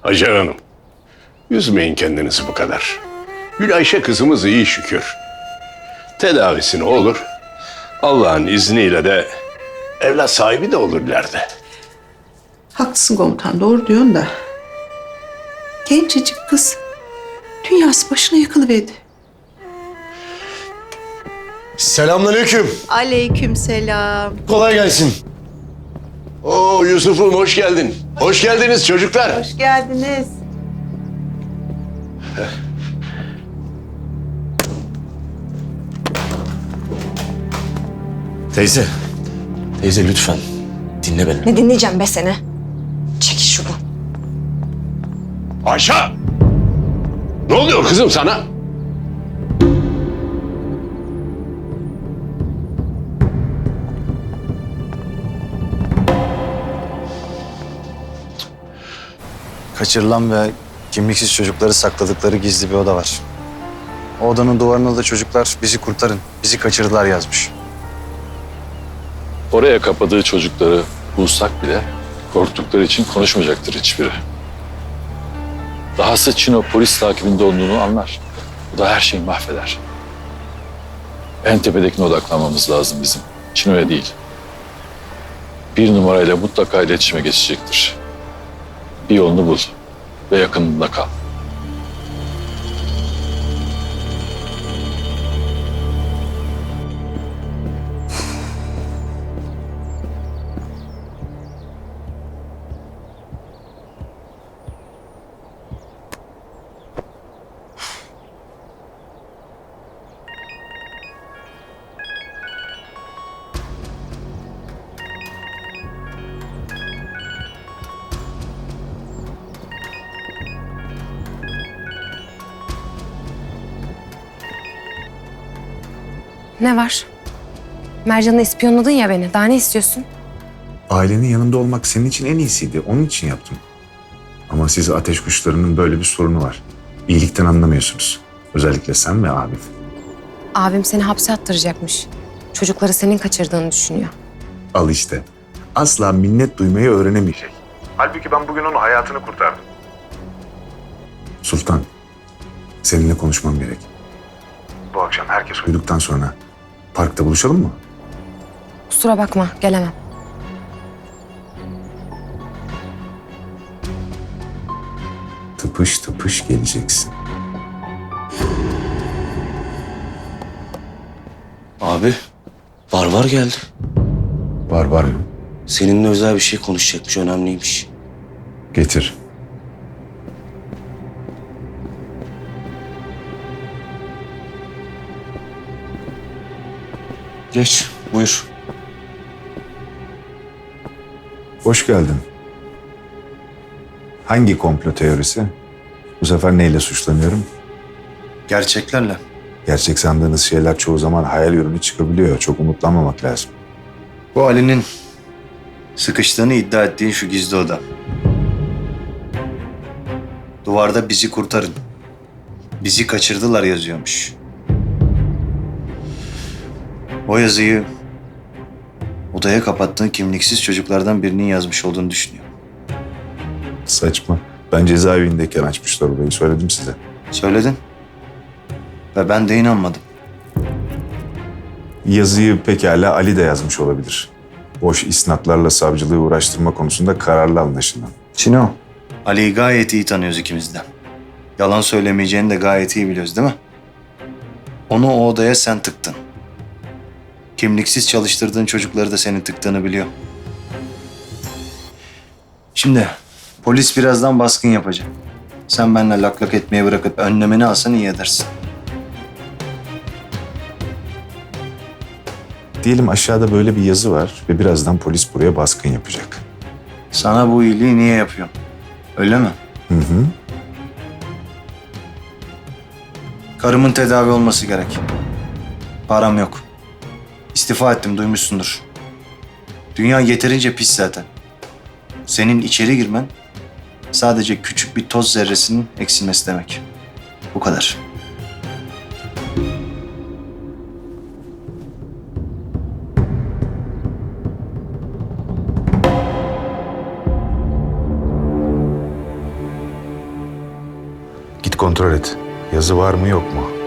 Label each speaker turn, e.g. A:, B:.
A: Hacer Hanım, üzmeyin kendinizi bu kadar. Gülayşe kızımız iyi şükür. Tedavisi ne olur? Allah'ın izniyle de evlat sahibi de olur ileride.
B: Haklısın komutan, doğru diyorsun da. Gencecik kız. Dünyası başına yıkılıverdi.
C: Selamünaleyküm.
B: Aleykümselam.
C: Kolay gelsin.
A: Oo Yusuf'um hoş geldin. Hoş geldiniz çocuklar.
B: Hoş geldiniz.
C: Teyze. Teyze lütfen. Dinle beni.
D: Ne dinleyeceğim be seni? Çekil şuradan.
A: Ayşe! Ne oluyor kızım sana?
E: Kaçırılan ve kimliksiz çocukları sakladıkları gizli bir oda var. O odanın duvarına da çocuklar bizi kurtarın, bizi kaçırdılar yazmış.
F: Oraya kapadığı çocukları bulsak bile korktukları için konuşmayacaktır hiçbiri. Dahası Çino polis takibinde olduğunu anlar. Bu da her şeyi mahveder. En tepedekine odaklanmamız lazım bizim. Çino'ya değil. Bir numarayla mutlaka iletişime geçecektir. Bir yolunu bul ve yakınında kal.
D: Ne var? Mercan'la ispiyonladın ya beni. Daha ne istiyorsun?
G: Ailenin yanında olmak senin için en iyisiydi. Onun için yaptım. Ama siz ateş kuşlarının böyle bir sorunu var. İyilikten anlamıyorsunuz. Özellikle sen ve abin.
D: Abim seni hapse attıracakmış. Çocukları senin kaçırdığını düşünüyor.
G: Al işte. Asla minnet duymayı öğrenemeyecek. Halbuki ben bugün onun hayatını kurtardım. Sultan, seninle konuşmam gerek. Bu akşam herkes uyuduktan sonra parkta buluşalım mı?
D: Kusura bakma, gelemem.
G: Tıpış tıpış geleceksin.
C: Abi, Barbar geldi.
G: Var mı?
C: Seninle özel bir şey konuşacakmış, önemliymiş.
G: Getir.
E: Geç, buyur.
G: Hoş geldin. Hangi komplo teorisi? Bu sefer neyle suçlanıyorum?
E: Gerçeklerle.
G: Gerçek sandığınız şeyler çoğu zaman hayal ürünü çıkabiliyor. Çok umutlanmamak lazım.
E: Bu Ali'nin sıkıştığını iddia ettiğin şu gizli oda. Duvarda bizi kurtarın. Bizi kaçırdılar yazıyormuş. O yazıyı odaya kapattığın kimliksiz çocuklardan birinin yazmış olduğunu düşünüyor.
G: Saçma. Ben cezaevindeyken açmışlar orayı. Söyledim size.
E: Söyledin. Ve ben de inanmadım.
G: Yazıyı pekala Ali de yazmış olabilir. Boş isnatlarla savcılığı uğraştırma konusunda kararlı anlaşılan.
E: Çino. Ali'yi gayet iyi tanıyoruz ikimiz de. Yalan söylemeyeceğini de gayet iyi biliyoruz değil mi? Onu o odaya sen tıktın. Kimliksiz çalıştırdığın çocukları da senin tıktığını biliyor. Şimdi polis birazdan baskın yapacak. Sen benimle lak lak etmeye bırakıp önlemeni alsan iyi edersin.
G: Diyelim aşağıda böyle bir yazı var ve birazdan polis buraya baskın yapacak.
E: Sana bu iyiliği niye yapıyorum? Öyle mi?
G: Hı hı.
E: Karımın tedavi olması gerek. Param yok. İstifa ettim, duymuşsundur. Dünya yeterince pis zaten. Senin içeri girmen sadece küçük bir toz zerresinin eksilmesi demek. Bu kadar.
G: kontrol et. Yazı var mı yok mu?